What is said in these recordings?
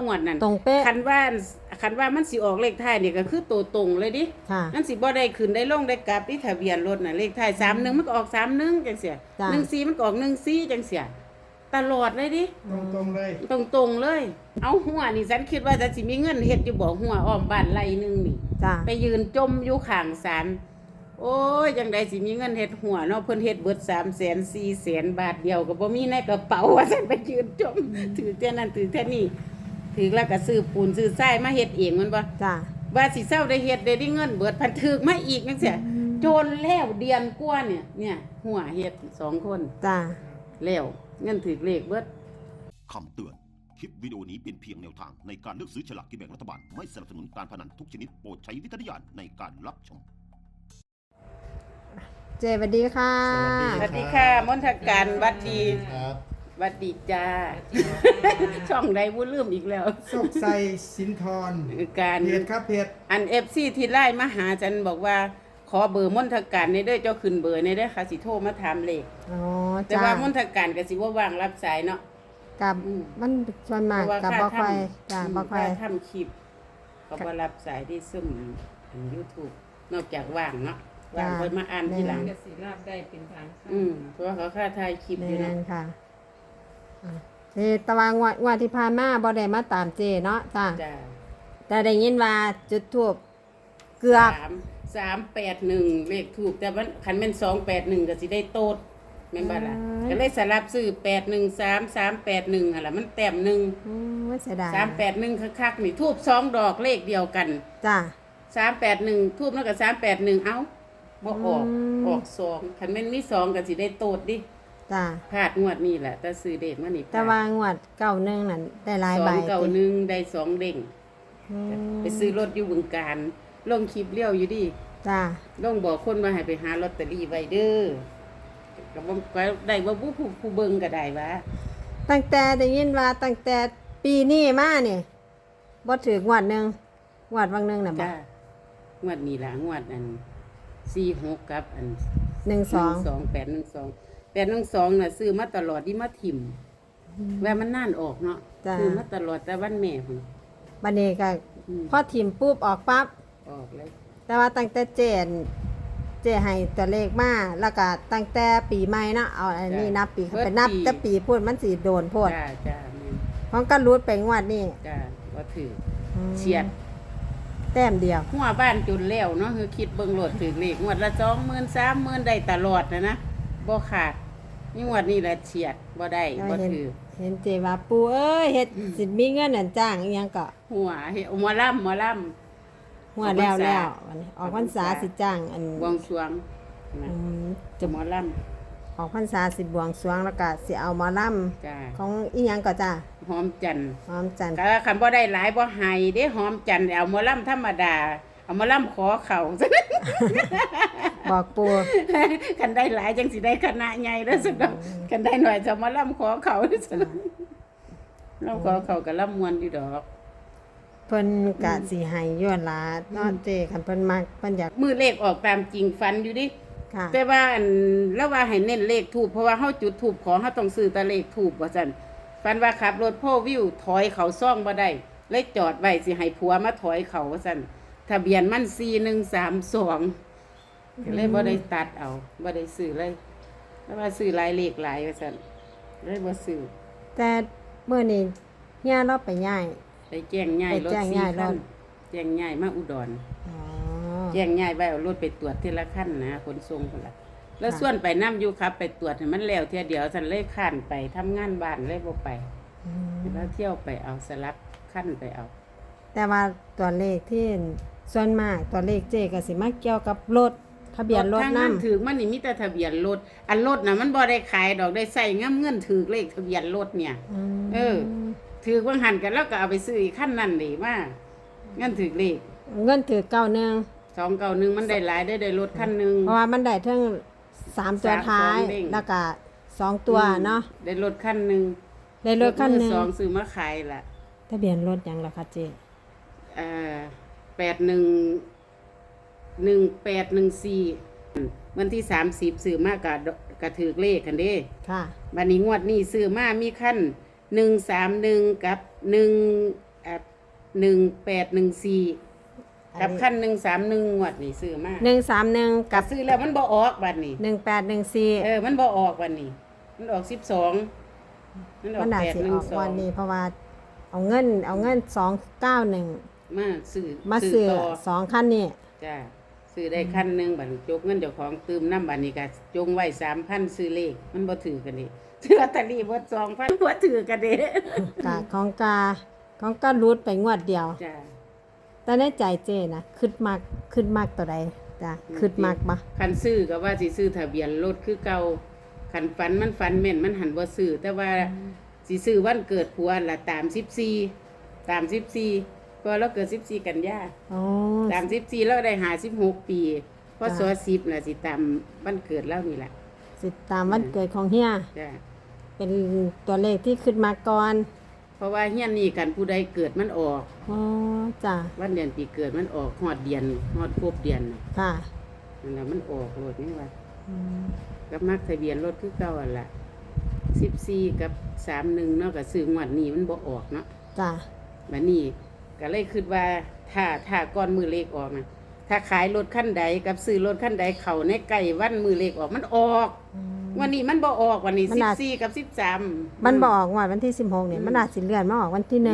วดนั่นตรงเป๊ะคันว่ามันสิออกเลขท้ายนี่ก็คือตัวตรงเลยดิค่ะมันสิบ่ได้ขึ้นได้ลงได้กลับที่ทะเบียนรถน่ะเลขท้าย31มันก็ออก31จังซี่14มันก็ออก14จังซี่ตลอดเลยดิตรงเลยตรงๆเลย เอาหัวนี่ฉันคิดว่าจะสิมีเงินเฮ็ดอยู่บ่หัวอ้อมบ้านไร่นึงนี่จ้าไปยืนจมอยู่ข้างศาลโอ้ยจังได๋สิมีเงินเฮ็ดหัวเนาะเพิ่นเฮ็ดเบิด300,000 400,000 บาทเดียวก็บ่มีในกระเป๋าว่าซั่นไปยืนจมถือแค่นั้นถือแค่นี้ถือแล้วก็ซื้อปูนซื้อทรายมาเฮ็ดเองมันบ่จ้าว่าสิเซาได้เฮ็ดได้เงินเบิดพันถึกมาอีกจังซี่โจรแล้วเดือนกว่าเนี่ยหัวเฮ็ด2คนจ้าแล้วเงินถือเลขเบิดคำเตือน คลิปวิดีโอนี้เป็นเพียงแนวทางในการเลือกซื้อฉลากกินแบ่งรัฐบาล ไม่สนับสนุนการพนันทุกชนิดโปรดใช้วิจารณญาณในการรับชมเจสวัสดีค่ะสวัสดีค่ะมนทการวัดดีครับวัดดีจ้า ช่องใดบ่ลืมอีกแล้วโชคชัยสินทรการเพจครับเพจอัน FC ที่ไล่มาหาฉันบอกว่าขอเบอร์มนทการในเด้อเจ้าขึ้นเบอร์ในเด้อค่ะสิโทรมาถามเลขอ๋อแต่จ้าว่ามนทการก็สิบ่ว่างรับสายเนาะกับมันส่วนมากกับบ่ค่อยจ้าบ่ค่อยทำคลิปเขาบ่รับสายที่ซึมอัน YouTube นอกจากว่างเนาะว่างค่อยมาอ่านทีหลังก็สิราบได้เป็นทางค่ะเพราะว่าเขาค่าถ่ายคลิปอยู่แม่เนาะนค่ะเจตะวางว่าที่ผ่านมาบ่ได้มาตามเจเนาะจ้าจ้าแต่ได้ยินว่าจุดทูบเกือบ 381เลขถูกแต่ว่าคันแม่น281ก็สิได้โตดแม่นบ่ล่ะก็เลยสลับซื้อ813 381หั่นล่ะมันแต้มหนึงไม่เสียดาย 381คักๆนี่ทูบ2ดอกเลขเดียวกันจ้า 381ทูบแล้วก็381เอ้าบ่ออกอืมออก2คันแม่นมี2ก็สิได้โตดดิจ้าพลาดงวดนี้แหละแต่ซื้อเด็กมานี่แต่ว่างวด91นั่นได้หลายใบ 291ได้2เด้งอืมไปซื้อรถอยู่บึงกาฬลงคลิปเลี้ยวอยู่ดิจ้าลงบอกคนว่าให้ไปหาลอตเตอรี่ไว้เด้อก็บ่ก็ได้บ่ผู้เบิ่งก็ได้ว่าตั้งแต่ได้ยินว่าตั้งแต่ปีนี้มาเนี่ยบ่ถือกงวดหนึงงวดวังหนึงน่ะบ่จ้างวดนี้ล่ะงวดอัน46กับอัน 12 812น่ะซื้อมาตลอดที่มาถิ่มว่ามันนานออกเนาะจ้ะซื้อมาตลอดแต่วันแม่พุ่นบัดนี้ก็อืมพอถิ่มปุ๊บออกปั๊บออกเลยแต่ว่าตั้งแต่เจให้ตัวเลขมาแล้วก็ตั้งแต่ปีใหม่เนาะเอาอันนี้นับปีไปนับแต่ปีพูดมันสิโดนโพดจ้าจ้าแม่นของก็รูดไปงวดนี้จ้าบ่ถืออืมเฉียดแต้มเดียวหัวบ้านจนแล้วเนาะคือคิดเบิ่งโหลดถึงเลขงวดละ20,000 30,000ได้ตลอดนะบ่ขาดนี่งวดนี้แหละเฉียดบ่ได้บ่เห็นถือเห็นเจว่าปูเอ้ยเฮ็ดสิมีเงินนั่นจ้างอีหยังก็หัวเฮ็ดหมอลำหัวแล้ววันนี้ออกพรรษาสิจ้างอันบวงสรวงนะอืมจะหมอลออกพรรษาสิบวงสรวงแล้วก็สิเอาหมาล่ำจ้าำของอีหยังก็จ้าหอมจันทร์หอมจันทร์ก็คันบ่ได้หลายบ่ให้เด้หอมจันทร์เอาหมอลำธรรมดาเอาหมอลำขอเข่าบอกปูคันได้หลายจังสิได้คณะใหญ่แล้วสุดอกคันได้หน่อยจะหมอลำขอเข่าสุดเราขอเข่าก็ลำมวนอยู่ดอกเพิ่นกะสิให้ย้อนหลาเนาะเจคันเพิ่นมักเพิ่นอยากมือเลขออกตามจริงฟันอยู่ดิค่ะแต่ว่าอันแล้วว่าให้เน้นเลขถูกเพราะว่าเฮาจุดถูกขอเฮาต้องซื้อแต่เลขถูกว่าซั่นฟันว่าขับรถโพวิวถอยเขาซ่องบ่ได้เลยจอดไว้สิให้ผัวมาถอยเขาว่าซั่นทะเบียนมัน4132ก็เลยบ่ได้ตัดเอาบ่ได้ซื้อเลยแล้วว่าซื้อหลายเลขหลายว่าซั่นเลยบ่ซื้อแต่มื้อนี้เฮียเราไปย้ายไปแจ้งย้ายรถไปแจ้งย้าย 4คันรถแจ้งย้ายมาอุดรอ๋อแจ้งย้ายไว้เอารถไปตรวจทีละคันนะขนส่งพุ่นล่ะแล้วส่วนไปนํอยู่ครับ ไปตรวจให้มันแล้วเที่ยเดียวซั่นเลยข้านไปทำงานบ้านเลยบ่ไปอืมแล้วเที่ยวไปเอาสลับขั้นไปเอาแต่ว่าตัวเลขที่ส่วนมากตัวเลขเจก็สิมาเกี่ยวกับรถทะเบียนรถทางนำนั้นถือมันนี่มีแต่ทะเบียนรถอันรถน่ะมันบ่ได้ขายดอกได้ใส่เงินเงินถือเลขทะเบียนรถเนี่ย เออ ถือว่างหันกันแล้วก็เอาไปซื้ออีกขั้นนั้นดีว่าเงินถือเลขเงินถือ91 291มันได้หลายได้รถคันหนึงเพราะว่ามันได้ทั้ง3ตัวท้ายสองเด้งแล้วก็2ตัวเนาะได้รถคันหนึงได้รถคันหนึงมือสองซื้อมาขายล่ะทะเบียนรถหยังล่ะคะเจ 811814วันที่30ซื้อมากะถือเลขกันเด้ค่ะบัดนี้งวดนี้ซื้อมามีขั้น131กับ1 1814กับคัน131งวดนี่ซื้อมา 131 กักับบ ซื้อแล้วมันบ่ออกบัดนี้ 1814 มันบ่ออกบัดนี้มันออก12มันออมักนน่าสิออกวันนี้ 812 เพราะว่าเอาเงิน291 มาซื้อมาซื้อต่อ 2คันนี้จ้าซื้อได้คันหนึงบัดนี้จกเงินเจ้าของตืมน้ำบัดนี้ก็จงไว้ 3,000 ซื้อเลขมันบ่ถือกันนี่ซื้อลอตเตอรี่บ่2,000บ่ถือกันเด้กะของการูดไปงวดเดียวจ้าแต่ในใจเจนะขึ้นมากตัวใดจ้ะขึ้นมากบ่คันซื้อก็ว่าสิซื้อทะเบียนรถคือเก่าคันฝันมันฝันแม่นมันหันบ่ซื้อแต่ว่าสิซื้อวันเกิดผัวล่ะตาม14ก็เราเกิด14กันยาอ๋อตาม14เราได้56ปีพศ10น่ะสิตามวันเกิดเรานี่ล่ะสิตามวันเกิดของเฮียจ้าเป็นตัวเลขที่ขึ้นมาก่อนเพราะว่าเฮียนนี่กันผู้ใดเกิดมันออกอ๋อจ้ะวันเดือนปีเกิดมันออกฮอดเดือนฮอดครบเดือนน่ะค่ะนั่นล่ะมันออกรถนี่ว่าอืมกับมักทะเบียนรถคือเก่าหั่นล่ะ14กับ31เนาะก็ซื้องวดนี้มันบ่ออกเนาะจ้ะบัดนี้ก็เลยคิดว่าถ้าก่อนมือเลขออกนะถ้าขายรถคันใดกับซื้อรถคันใดเข้าในใกล้วันมือเลขออกมันออกอืมวันนี้มันบ่ออกวันนี้มันอาจ 14กับ13 มันบอกว่าวันที่16เนี่ยมันอาจสิเลื่อนมาออกวันที่1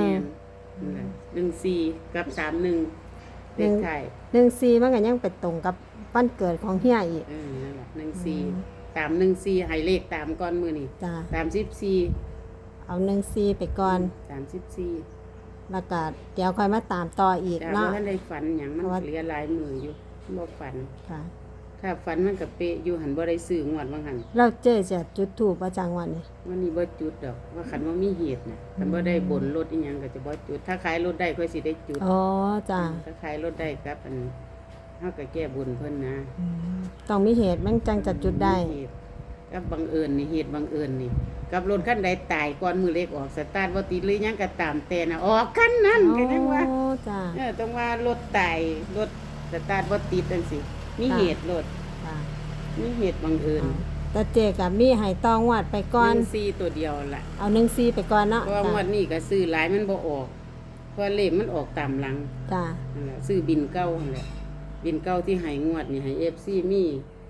14กับ31เลขท้าย 14มันก็ยังไปตรงกับวันเกิดของเฮียอีกนั่นแหละ14ตาม14ให้เลขตามก่อนมือนี่จ้ะตาม14 เอา14ไปก่อนตาม14 แล้วก็เดี๋ยวค่อยมาตามต่ออีกจ้าเนาะบ่ทันได้ฝันหยังมันเพราะว่าเหลือหลายมืออยู่บ่ฝันค่ะถ้าฝันมันก็เป๊ะอยู่หันบ่ได้ซื้องวดว่าหั่นเราเจจะจุดถูกประจังวันนี้วันนี้บ่จุดดอกว่าคันว่ามีเหตุนะคันบ่ได้บนรถอีหยังก็จะบ่จุด ถ้าขายรถได้ค่อยสิได้จุดอ๋อจ้ะถ้าขายรถได้ครับอันเฮาก็แก้บุญเพิ่นนะต้องมีเหตุมันจังจะจุดได้เหตุกับบังเอิญนี่เหตุบังเอิญนี่กับรถคันใดตายก่อนมือเล็กออกสตาร์ทบ่ติดหรือหยังก็ตามแต่น่ะออกคันนั้นก็ยังว่าโอ้จ้ะต้องว่ารถตายรถสตาร์ทบ่ติดจังซี่มีเหตุรถจ้ะมีเหตุบังเอิญแต่เจกับมีให้ตองวัดไปก่อน 14ตัวเดียวล่ะเอา14ไปก่อนเนาะเพราะว่างวดนี้ก็ซื้อหลายมันบ่ออกเพราะเลขมันออกตามหลังจ้ะนั่นแหละซื้อบินเก้านั่นแหละบินเก้าที่ให้งวดนี่ให้ FC มี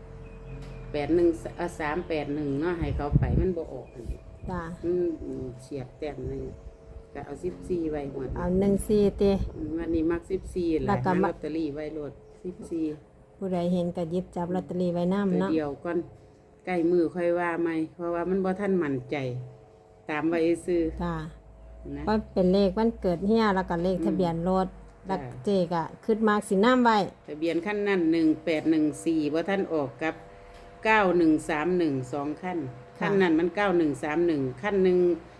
381เนาะให้เขาไปมันบ่ออกอันนี้จ้ะเฉียดแต้มหนึงก็เอา14ไว้งวดเอา14ติวันนี้มัก14แหแล้ละวก็หามาลอตเตอรี่ไว้โลด14 ผู้ใดเห็นก็หยิบจับลอตเตอรี่ไว้นำตัวเนาะเดียวก่อนใกล้มือค่อยว่าใหม่เพราะว่ามันบ่ทันมั่นใจ ตามไว้ซื้อจ้ะนะว่าเป็นเลขวันเกิดเฮียแล้วก็เลขทะเบียนรถแล้วจ้ะเจก็ขึ้นมากสิน้ำไว้ทะเบียนขั้นนั้น1814บ่ทันออกกับ9131 2ขั้นขั้นนั้นมัน9131ขั้นหนึ่ง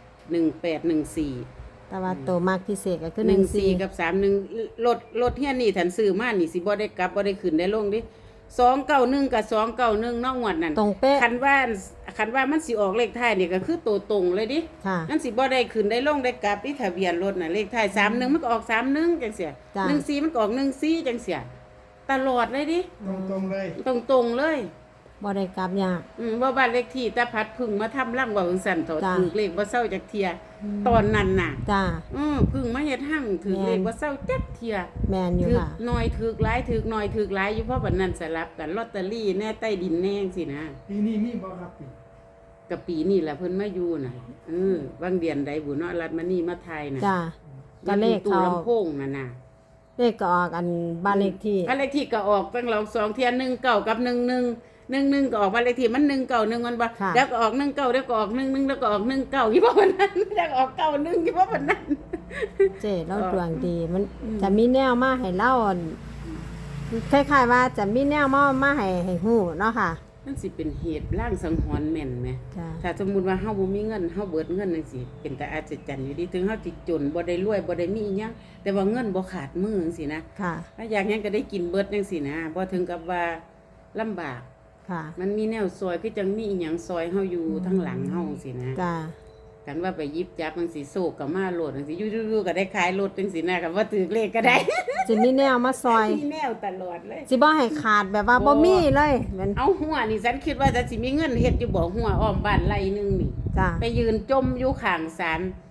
1814 แต่ว่าตัวมากพิเศษก็คือ 14กับ31รถเฮียนี่ทันซื้อมานี่สิบ่ได้กลับบ่ได้ขึ้นได้ลงดิ291กับ291เนาะงวดนั้นตรงเป๊ะคันว่ามันสิออกเลขท้ายนี่ก็คือตัวตรงเลยดิค่ะนั่นสิบ่ได้ขึ้นได้ลงได้กลับที่ทะเบียนรถน่ะเลขท้าย31มันก็ออก31จังเสียจ้ะ 14มันก็ออก14จังเสียตลอดเลยดิตรงๆเลยตรงๆเลยบ่ได้กลับยากว่าบ้านเลขที่ตาพัดพึ่งมาทำร่างว่าจังซั่นเถาะจ้ะถูกเลขบ่เซาจักเที่ยตอนนั้นน่ะจ้าพึ่งมาเฮ็ดหั่งถือเลขบ่เซาจักเที่ยแมนอยู่ถือค่ะหน่อยถือหลายถือหน่อยถือหลายอยู่เพราะบัดนั้นสลับกันลอตเตอรี่แน่ใต้ดินแน่จังซี่นะปีนี้มีบ่ครับปีกับปีนี่แหละเพิ่นมาอยู่น่ะบางเดือนใดบุเนาะรัฐมานี่มาไทยน่ะจ้าก็เลขตู้เขาลำโพงน่ะน่ะเลขก็ออกอันบ้านเลขที่บ้านเลขที่ก็ออกตั้งเรา2เที่ย19กับ11 11ก็ออกบ้านเลขที่มัน191มันบ่ค่ะแล้วก็ออก19แล้วก็ออก11แล้วก็ออก19อยู่บ่วันนั้นแล้วก็ออก91อยู่บ่วันนั้นเจ๊เราดวงดีมันจะมีแนวมาให้เล่าอั่นคล้ายๆว่าจะมีแนวมาให้ฮู้เนาะค่ะมันสิเป็นเหตุร่างสังหรณ์แม่นไหมจ้าถ้าสมมุติว่าเฮาบ่มีเงินเฮาเบิดเงินจังซี่เป็นแต่อาจจะจันอยู่ดีถึงเฮาสิจนบ่ได้รวยบ่ได้มีอิหยังแต่ว่าเงินบ่ขาดมือจังซี่นะค่ะถ้าอยากหยังก็ได้กินเบิดจังซี่นะบ่ถึงกับว่าลำบากค่ะมันมีแนวซอยคือจังมีอีหยังซอยเฮาอยู่ทั้งหลังเฮาจังซี่นะจ้ากันว่าไปหยิบจับจังซี่โศกก็มาโลดจังซี่อยู่ๆก็ได้ขายรถจังซี่นะก็ว่าถือเลขก็ได้จะมีแนวมาซอยมีแนวตลอดเลยสิบ่ให้ขาดแบบว่าบ่มีเลยแมันเอาหัวนี่ฉันคิดว่าจะสิมีเงินเฮ็ดอยู่บ่หัวอ้อมบ้านไร่นึงนี่จ้าไปยืนจมอยู่ข้างศาล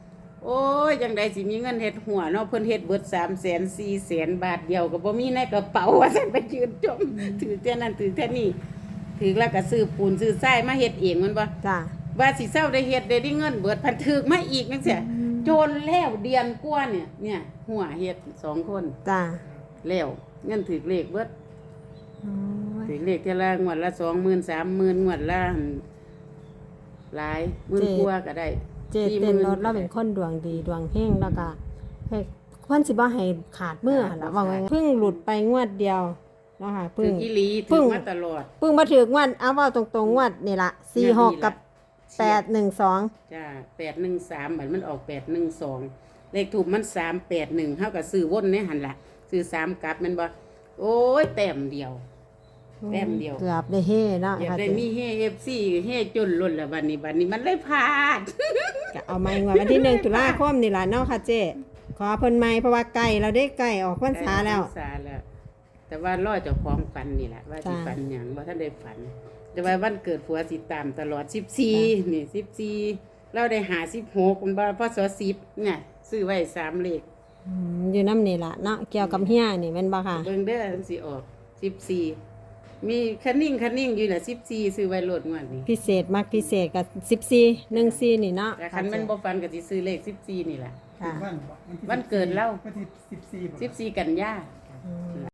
โอ้ยจังไดสิมีเงินเฮ็ดหัวเนาะเพิ่นเฮ็ดเบิด300,000 400,000 บาทเดียวก็บ่มีในกระเป๋าว่าซั่นไปยืนจมถือแต่นั้นถือแต่นี้ถือแล้วก็ซื้อปูนซื้อทรายมาเฮ็ดเองมันบ่จ้าว่าสิเซาได้เฮ็ดได้เงินเบิดพันถึกมาอีกจังซี่โจรแล้วเดือนกว่าเนี่ยหัวเฮ็ด2คนจ้าแล้วเงินถือเลขเบิดโอ้ยถือเลขเท่าละงวดละ 20,000 30,000งวดละหลายหมื่นกว่าก็ได้เจเต้นรถเราเป็นคนดวงดีดวงเฮงแล้วก็เฮ้ยควรสิบ่ให้ขาดมือหั่นล่ะว่าไงเพิ่งหลุดไปงวดเดียวเนาะค่ะถืเพิ่อง อีหลีเพิ่ถืงอมาตลอดเพิ่งมาถึงงวดเอาเว้าตรงๆงวดนี่ล่ะ46กับ812 จ้า813บัดมันออก812เลขถูกมัน381เฮาก็ซื้อวนในหั่นล่ะซื้อ3กลับแม่นบ่โอ้ยแต้มเดียว แต้มเดียวเกือบได้เฮ่เนาะอยากค่ะได้มีเฮ FC เฮจนล้นแล้วบัดนี้มันเลยพลาดก็เอาไม้งวดวันที่1ตุลาคมนี่ล่ะเนาะค่ะเจ๊ขอเพิ่นใหม่เพราะว่าใกล้เราได้ใกล้ออกพรรษาแล้วพรรษาแล้ว แต่ว่ารอเจ้าของฝันนี่แหละว่าสิจ้ะฝันหยังบ่ทันได้ฝัน แต่ว่าวันเกิดผัวสิตามตลอด14นี่14เราได้56มันบ่พศ10เนี่ยซื้อไว้3เลขอยู่น้ำนี่ล่ะเนาะเกี่ยวกับเฮียนี่แม่นบ่ค่ะเบิ่งเด้อมันสิออก14มีคันนิ่งอยู่น่ะ14ซื้อไว้โลดงวดนี้พิเศษมากพิเศษกับ14 14นี่เนาะแต่คันมันบ่ฝันก็สิซื้อเลข14นี่แหละค่ะวันวันเกิดเราวันที่14 14กันยาอืม